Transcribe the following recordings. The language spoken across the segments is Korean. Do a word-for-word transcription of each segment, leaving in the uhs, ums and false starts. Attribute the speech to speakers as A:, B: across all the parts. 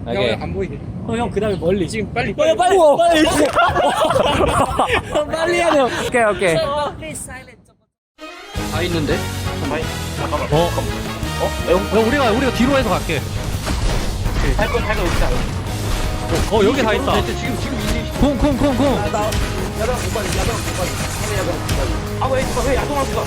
A: 오케이.
B: 형 안 보이게.
C: 어, 형 그다음에 멀리.
B: 지금 빨리
C: 빨리
B: 빨리.
C: 빨리 빨리. 형 빨리 해야 돼요.
A: 오케이 오케이.
D: 다 있는데?
B: 아니, 잠깐만.
A: 어,
B: 어? 형,
A: 야, 우리가 우리가 뒤로 해서 갈게.
B: 살건 살건 없지 않아?
A: 어, 여기 다 있다.
D: 지금 지금 이제
A: 쿵쿵쿵쿵.
B: 야당 못 가지, 야당 못 가지. 얘네 야당 못 가지. 아, 왜, 누가 왜 야동할 수가?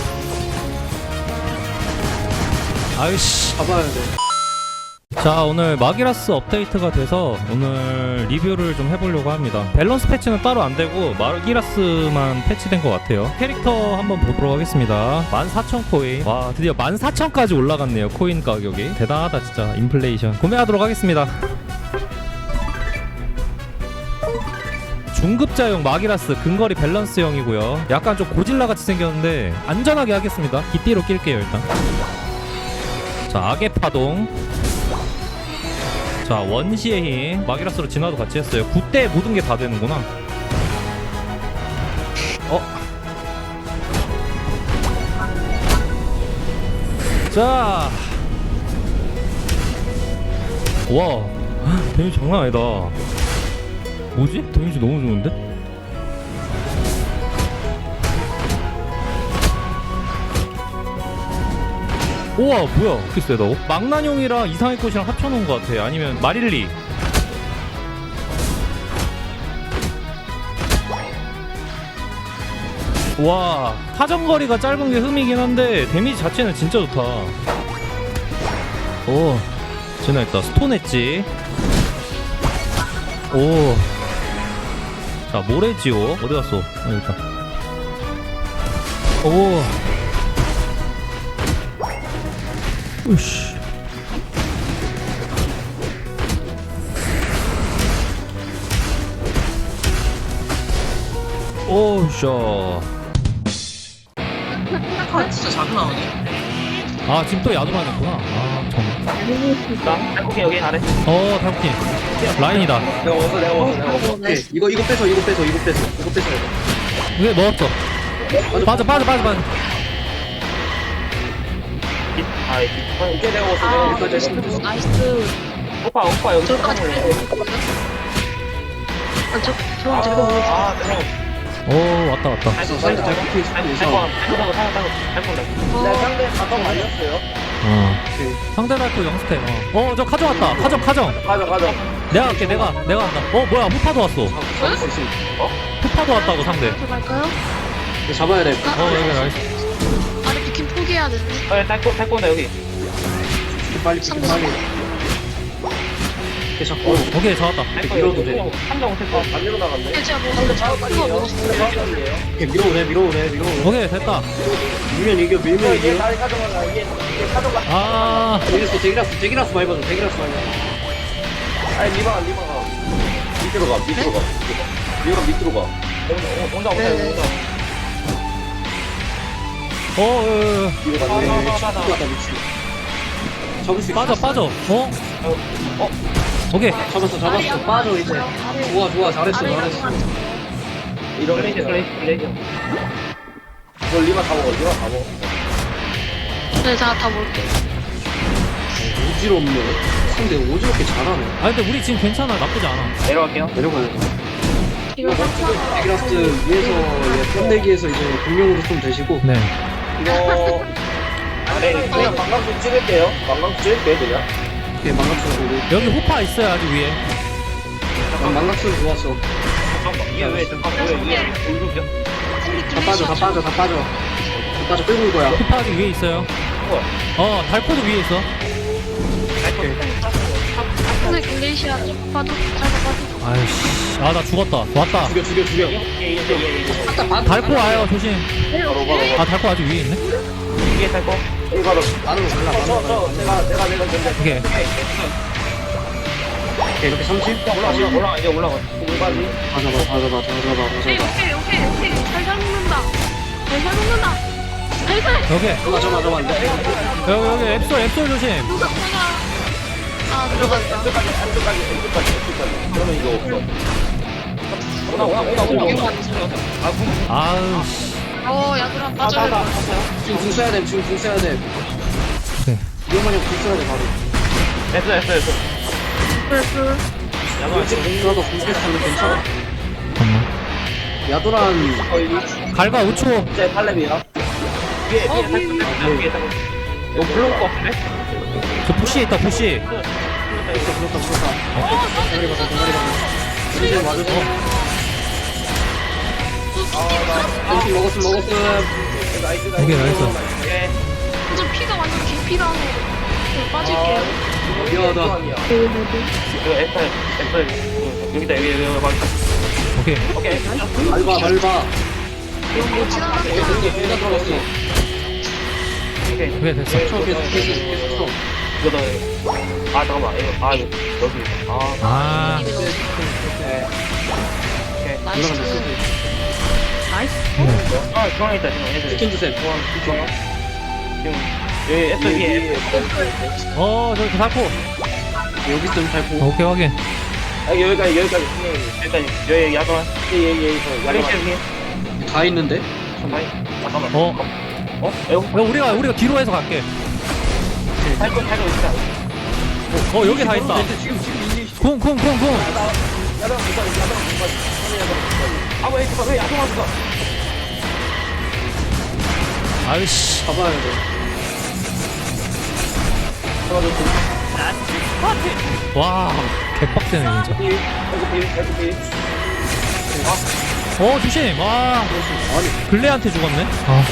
A: 아이씨.
D: 잡아야 돼.
A: 자, 오늘 마기라스 업데이트가 돼서 오늘 리뷰를 좀 해보려고 합니다. 밸런스 패치는 따로 안 되고 마기라스만 패치된 것 같아요. 캐릭터 한번 보도록 하겠습니다. 만 사천 코인. 와, 드디어 만 사천까지 올라갔네요. 코인 가격이. 대단하다 진짜. 인플레이션. 구매하도록 하겠습니다. 중급자용 마기라스 근거리 밸런스형이고요. 약간 좀 고질라같이 생겼는데 안전하게 하겠습니다. 깃띠로 낄게요 일단. 자, 악의 파동. 자, 원시의 힘. 마기라스로 진화도 같이 했어요. 굿대 모든 게 다 되는구나. 어? 자. 와. 데미지 장난 아니다. 뭐지? 데미지 너무 좋은데? 우와, 뭐야, 그렇게 세다고? 망나뇽이랑 이상의 꽃이랑 합쳐놓은 것 같아. 아니면 마릴리. 와, 사정거리가 짧은 게 흠이긴 한데 데미지 자체는 진짜 좋다. 오, 진화했다. 스톤 엣지. 오. 자, 모래지오. 어디 갔어? 아, 여기 있다. 오. 으씨. 오샤.
D: 아 진짜 자주 나오네.
A: 아, 지금 또 야도만 했구나. 아, 참.
B: 나, 살코기 여기 잘해.
A: 어, 탈코킨. 라인이다.
B: 내가 먹었어, 내가 먹었어, 내가 먹었어.
D: 오케이 이거 이거 빼서 이거 빼서 이거 빼서 이거 빼서.
A: 이게 넣었어. 빠져, 빠져, 빠져, 빠져.
B: 아, 오케이, 내가 먹었어, 내가 먹었어.
D: 여기까지 했으면 됐어.
E: 나이스.
B: 오빠, 오빠, 여기
E: 저까지
B: 깜짝
E: 빼야
B: 놀랐어.
E: 되거든. 아, 저, 저,
B: 아,
E: 저거 뭐.
B: 아, 내가 먹었어.
A: 오, 왔다, 왔다.
B: 살짝,
D: 사이드
B: 살짝.
D: 잘 굽혀
B: 아니,
D: 있어.
B: 살짝, 살짝, 살짝, 살짝, 살짝. 내가 상대 가방 말렸어요.
A: 어.
D: 오케이.
A: 상대 발표 영스텝. 어, 어, 저 카정 왔다. 카정, 카정.
B: 가자, 가자.
A: 내가 할게, 내가. 내가 한다. 어, 뭐야, 후파도 왔어.
D: 잡을 수 있어.
A: 후파도 왔다고, 상대.
E: 들어갈까요?
D: 이거 잡아야 돼.
A: 어, 여기 나이스.
E: 아래 비킨 포기해야 되는데.
B: 어, 살코, 살코다, 여기.
D: 빨리
E: 상대
D: 빨리. 이렇게 잡고.
A: 오케이, 잡았다.
B: 살코
D: 밀어도 돼.
B: 한장 못했어. 반대로 나갔네.
E: 근데 제가 뭐 잡고 먹었어요.
D: 이렇게 밀어오래 밀어오래 밀어오래.
A: 오케이, 됐다.
D: 밀면 이겨 밀면
B: 이게
D: 이겨.
B: 다리 가져가자. 이게, 이게 가져가.
A: 아,
D: 여기서 대기라스 대기라스 많이 봐줘 대기라스 많이 봐줘.
B: 아니, 리바가, 리바가. 밑으로 가, 밑으로 가. 리바가 밑으로 가. 온다, 온다, 온다,
E: 네네.
B: 온다.
A: 어, 어, 어, 어.
D: 이거
B: 아,
D: 맞네.
B: 아, 아, 아, 아.
D: 죽겠다 미친. 잡을 수 있어.
A: 빠져, 빠져. 어?
B: 어?
A: 오케이.
D: 잡았어 잡았어. 빠져 이제. 좋아 좋아 잘했어
E: 아래
D: 잘했어.
E: 양반.
B: 이런 플레이션, 플레이션. 이거 리바 다 먹어, 리바 다 먹어.
E: 네, 제가 다 먹을게요.
D: 오지럽네. 상대 오지럽게 잘하네.
A: 아, 근데 우리 지금 괜찮아. 나쁘지 않아.
B: 내려갈게요.
D: 내려가야 돼.
E: 이거 괜찮아.
D: 대기라스 위에서 예, 뻔데기에서 이제 공룡으로 좀 되시고.
A: 네.
B: 이거. 네, 그냥 관광수 찍을게요. 관광수 찍을게요, 그냥.
D: 이렇게 망각수로 보고.
A: 여기 후파 있어요, 아직 위에.
D: 난 망각수로 좋았어.
B: 잠깐만, 이게 왜, 잠깐만, 왜, 왜, 돌격이야?
D: 다 빠져 다 빠져 다 빠져. 다 빠져 끌고 올 거야.
A: 후파 아직 위에 있어요.
B: 뭐야?
A: 어, 달코도 위에 있어.
E: 근데 글레이시아 좀 봐도 잘 봐도.
A: 아이씨. 아, 나 죽었다. 왔다.
D: 죽여 죽여 죽여.
B: 이게, 이게, 이게, 이게.
D: 아까 반.
A: 달코 와요, 조심.
B: 바로, 바로, 바로.
A: 아, 달코 아직 위에 있네.
B: 이게 살 거? 이거 바로.
D: 나는 몰라.
B: 저, 저, 저, 내가, 내가, 내가, 내가.
A: 오케이.
D: 오케이 이렇게 삼십.
B: 올라가, 올라가, 올라가, 이제 올라가. 올라가지.
D: 다 잡아 다 잡아 다 잡아 다
E: 오케이,
D: 잡아.
E: 오케이, 오케이, 오케이. 살살 먹는다. 살살 먹는다. 살살.
A: 오케이.
D: 맞아 맞아 맞아.
A: 여기, 여기 앱솔, 앱솔 조심.
E: 누가, 누가. 아, 들어갔다.
B: 끝까지, 끝까지, 끝까지, 끝까지. 그러면 이거 없어. 오나, 오나, 오나, 오나, 오나. 아, 궁.
A: 아우, 씨.
E: 어, 야구랑
B: 아,
E: 빠져야
B: 나, 나,
E: 돼.
D: 지금 궁 써야 돼 지금 궁 써야 돼.
A: 오케이.
D: 위험하면 궁 써야 돼 바로.
B: 됐어, 됐어, 됐어.
E: 그랬어.
B: 야마 지금
D: 공수하다 공수하면 괜찮아.
A: 잠깐만.
D: 야도란
B: 거의
A: 갈가 오 초.
B: 이제 팔렙이야. 위에
E: 어,
B: 위에 딱 끝났다. 위에 딱. 너 불러올 거 같은데?
A: 저 부시에 있다 부시.
D: 그렇다 그렇다 그렇다. 대가리 받아 대가리 받아. 이제 맞았어. 점심 먹었음 먹었음.
B: 나이스
A: 오케이, 나이스.
B: 오케이.
E: 저 피가 완전 개피라네. 저 빠질게요.
D: 미안하다.
B: 이거 애플 애플 여기다 여기 여기 여기
A: 오케이.
B: 오케이.
D: 밟아 밟아.
E: 못 지나갔어.
D: 공기 공간 들어갔어.
B: 오케이.
A: 오케이 됐어.
D: 쳐 계속 계속 계속 쳐.
B: 이거 너. 아 잠깐만 이거 아 이거 여기 아
A: 아.
B: 오케이.
E: 나이스. 나이스.
B: 아 중앙에 있다 지금 애들.
D: 치킨 주세요.
B: 지금 여기 애플 위에
A: 어 저기 살포.
D: 여기 있으면 밟고.
A: 오케이 확인.
B: 아 여기까지 여기까지 여기까지 여기 야동한 예예예 야동한 위에
D: 다 있는데.
B: 잠깐만
A: 어.
B: 어? 에어?
A: 야, 우리가 우리가 뒤로 해서 갈게.
B: 탈거 탈거 있다.
A: 어 여기 다 있다.
D: 지금 지금 있니?
A: 쿵쿵쿵쿵.
B: 야동 있다 야동 있다. 아왜 이거 왜 야동 왔어?
A: 아이씨.
D: 가봐야 돼.
A: 와 개빡세네 진짜.
B: 필 탈거 필 탈거 필.
A: 어 조심. 와
D: 아니
A: 글레한테 죽었네. 아.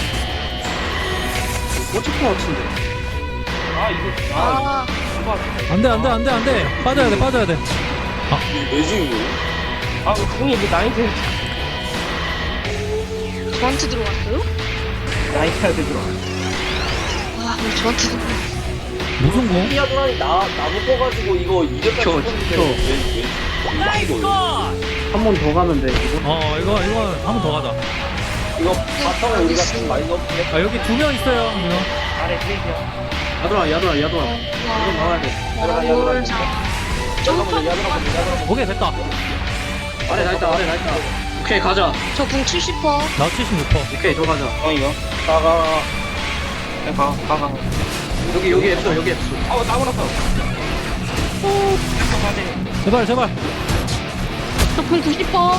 D: 꽂힐 것 같은데.
B: 아 이거 아
E: 아,
A: 안돼 안돼 안돼 안돼. 빠져야 돼 빠져야 돼.
B: 왜지 이거? 아 형이 이게 나이트
E: 저한테 들어왔어요?
B: 나이트한테 들어.
E: 와, 왜 저한테 들어왔어?
A: 무슨 공?
B: 피아 도란이 나 나무 떠가지고 이거 이렇게
D: 켜, 켜.
B: 왜왜 이거
D: 한 번 더 가면 돼. 이거.
A: 어 이거 이거 한 번 더 가자.
B: 이거 바텀에 우리가 좀 많이 넣었는데
A: 아 여기 두 명 있어요. 이거.
B: 아래 트레이야.
D: 야도란 야도란 야도란. 이거 나와야 돼.
B: 들어가 야도란.
E: 뭘 자.
B: 잠깐만 야도란 야도란.
A: 오케이 됐다.
D: 아래 나 있다 아래 나 있다. 오케이 가자.
E: 저궁 칠십 퍼.
A: 나 칠십육 퍼.
D: 오케이 더 가자.
B: 어 이거 가가 가 가가.
D: 여기 여기 앱소 여기 앱소.
B: 어 나고 났어. 오. 잠깐만.
A: 제발 제발.
E: 저궁 구십 퍼.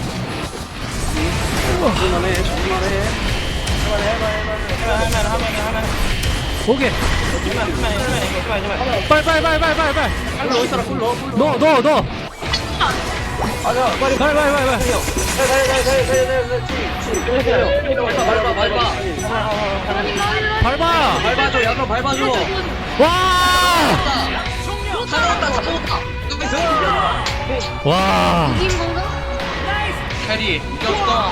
D: 그만해 그만해.
B: 해봐 해봐 해봐 해봐 하면 하면 하면.
A: 오케이.
B: 하면 하면 하면 하면 하면.
A: 빨리 빨리 빨리 빨리 빨리 빨리.
D: 꿀 넣어 있어라 꿀 넣어 꿀 넣어.
A: 넣어 넣어 넣어.
B: 맞아 빨리.
A: 빨리 빨리 빨리 빨리.
D: 밟아 밟아.
A: 밟아.
D: 밟아줘 야도란 밟아줘.
A: 와.
D: 잡았다 잡았다.
A: 와.
E: 이긴 건가?
D: 캐리 이겼어.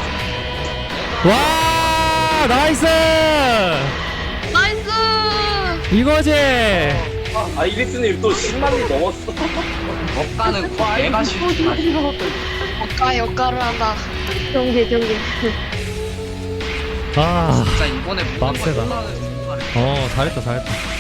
A: 와 나이스.
E: 나이스!
A: 이거지.
B: 아 이백스님 또 십만이 넘었어.
D: 억가는 내가 싫지 마.
E: 역가, 역가를 한다. 경계, 경계.
A: 아.
D: 진짜 이번에
A: 빡세다. 어 잘했다 잘했다.